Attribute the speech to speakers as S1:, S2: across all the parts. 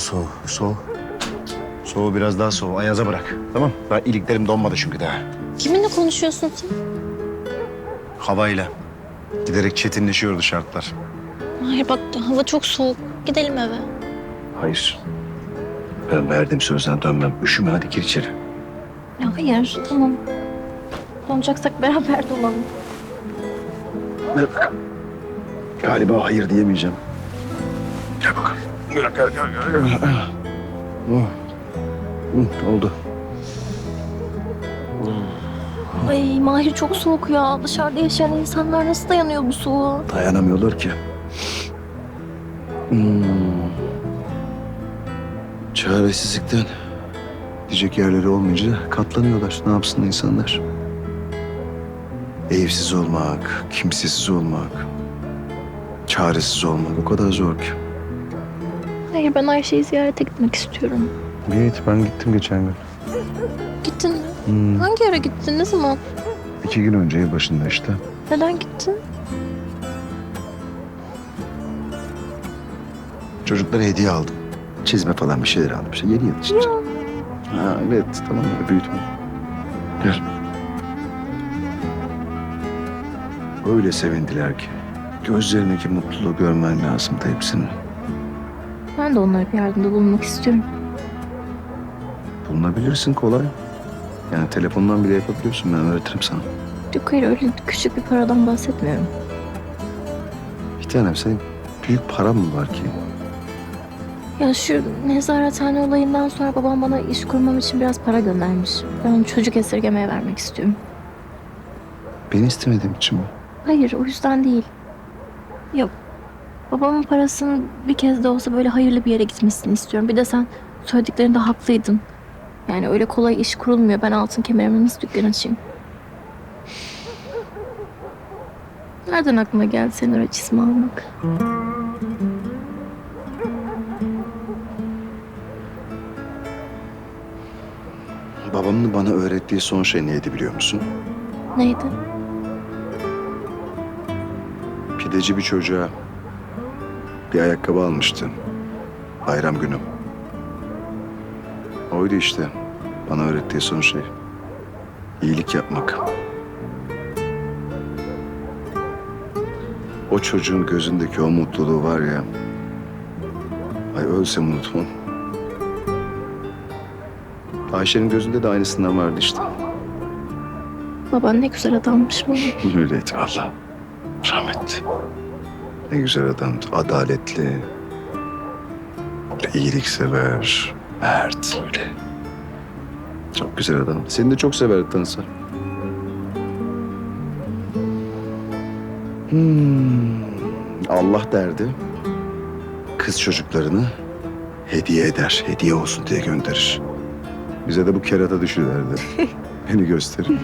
S1: soğu. Soğu. Soğu biraz daha soğu. Ayaza bırak. Tamam. Daha iliklerim donmadı çünkü daha.
S2: Kiminle konuşuyorsun sen?
S1: Havayla. Giderek çetinleşiyordu şartlar.
S2: Hayır bak hava çok soğuk. Gidelim eve.
S1: Hayır. Ben verdiğim sözden dönmem. Üşüme, hadi gir içeri.
S2: Ya hayır tamam. Donacaksak beraber dolalım.
S1: Ver bakalım. Galiba hayır diyemeyeceğim. Gel bakalım. Gel. Oh. Oldu.
S2: Ay Mahir çok soğuk ya. Dışarıda yaşayan insanlar nasıl dayanıyor bu soğuğa?
S1: Dayanamıyorlar ki. Çaresizlikten diyecek yerleri olmayınca katlanıyorlar. Ne yapsın insanlar? Evsiz olmak, kimsesiz olmak, çaresiz olmak o kadar zor ki.
S2: Hayır ben Ayşe'yi ziyarete gitmek istiyorum.
S1: Evet, ben gittim geçen gün.
S2: Gittin mi? Hangi yere gittin? Ne zaman?
S1: 2 gün önce yılbaşında işte.
S2: Neden gittin?
S1: Çocuklara hediye aldım. Çizme falan bir şeyler aldım. İşte yeni yıl için. Ha, evet, tamam öyle büyütme. Gel. Öyle sevindiler ki. Gözlerindeki mutluluğu görmen lazımdı hepsinin.
S2: Ben de onlara bir yardımda bulunmak istiyorum.
S1: Bulunabilirsin kolay. Yani telefondan bile yapabiliyorsun. Ben öğretirim sana.
S2: Yok hayır öyle küçük bir paradan bahsetmiyorum.
S1: Bir tanem, senin büyük paran mı var ki?
S2: Ya şu nezarethane olayından sonra babam bana iş kurmam için biraz para göndermiş. Ben onu çocuk esirgemeye vermek istiyorum.
S1: Beni istemediğim için mi?
S2: Hayır o yüzden değil. Yok. Babamın parasının bir kez de olsa böyle hayırlı bir yere gitmesini istiyorum. Bir de sen söylediklerinde haklıydın. Yani öyle kolay iş kurulmuyor. Ben altın kemerimi nasıl dükkan açayım? Nereden aklına geldi senin öyle çizme almak?
S1: Babamın bana öğrettiği son şey neydi biliyor musun?
S2: Neydi?
S1: Pideci bir çocuğa bir ayakkabı almıştı. Bayram günü. Oydu işte. Bana öğrettiği son şey. İyilik yapmak. O çocuğun gözündeki o mutluluğu var ya. Ay ölsem unutmam. Ayşe'nin gözünde de aynısından vardı işte.
S2: Baban ne güzel adammış baba.
S1: Öyleydi valla. Rahmetli. Ne güzel adamdı. Adaletli. Böyle iyiliksever. Mert öyle. Çok güzel adam. Seni de çok severdi tanısa. Allah derdi. Kız çocuklarını hediye eder. Hediye olsun diye gönderir. Bize de bu kerata düşür derdi. Beni gösterir.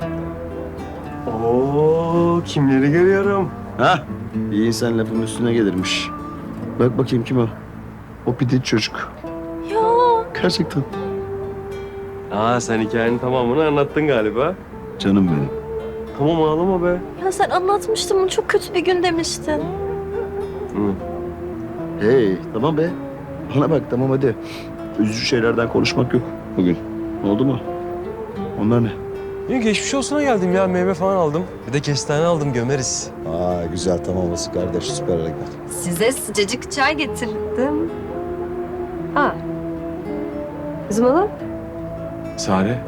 S3: Oo, kimleri görüyorum?
S1: Ha? İyi insan lafın üstüne gelirmiş. Bak bakayım kim o? O pideci çocuk.
S2: Ya
S1: Gerçekten.
S3: Aa, sen hikayenin tamamını anlattın galiba.
S1: Canım benim.
S3: Tamam, ağlama be.
S2: ya sen anlatmıştın bunu çok kötü bir gün demiştin.
S3: Hı.
S1: Hey, tamam be. Bana bak, tamam hadi. Üzücü şeylerden konuşmak yok bugün. Oldu mu? Onlar ne?
S3: İyi, geçmiş olsuna geldim ya, meyve falan aldım. Bir de kestane aldım, gömeriz.
S1: Aa, güzel, tamam olası kardeş. Süper hareket.
S4: Size sıcacık çay getirdim. Ha. Kızım oğlum.
S3: Sare.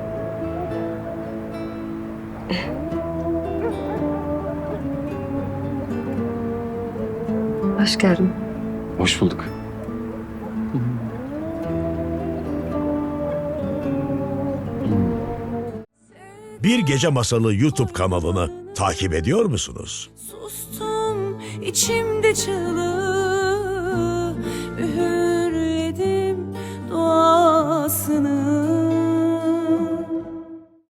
S4: Hoş geldin.
S3: Hoş bulduk.
S5: Bir Gece Masalı YouTube kanalını takip ediyor musunuz?
S6: Sustum içimde çığlık.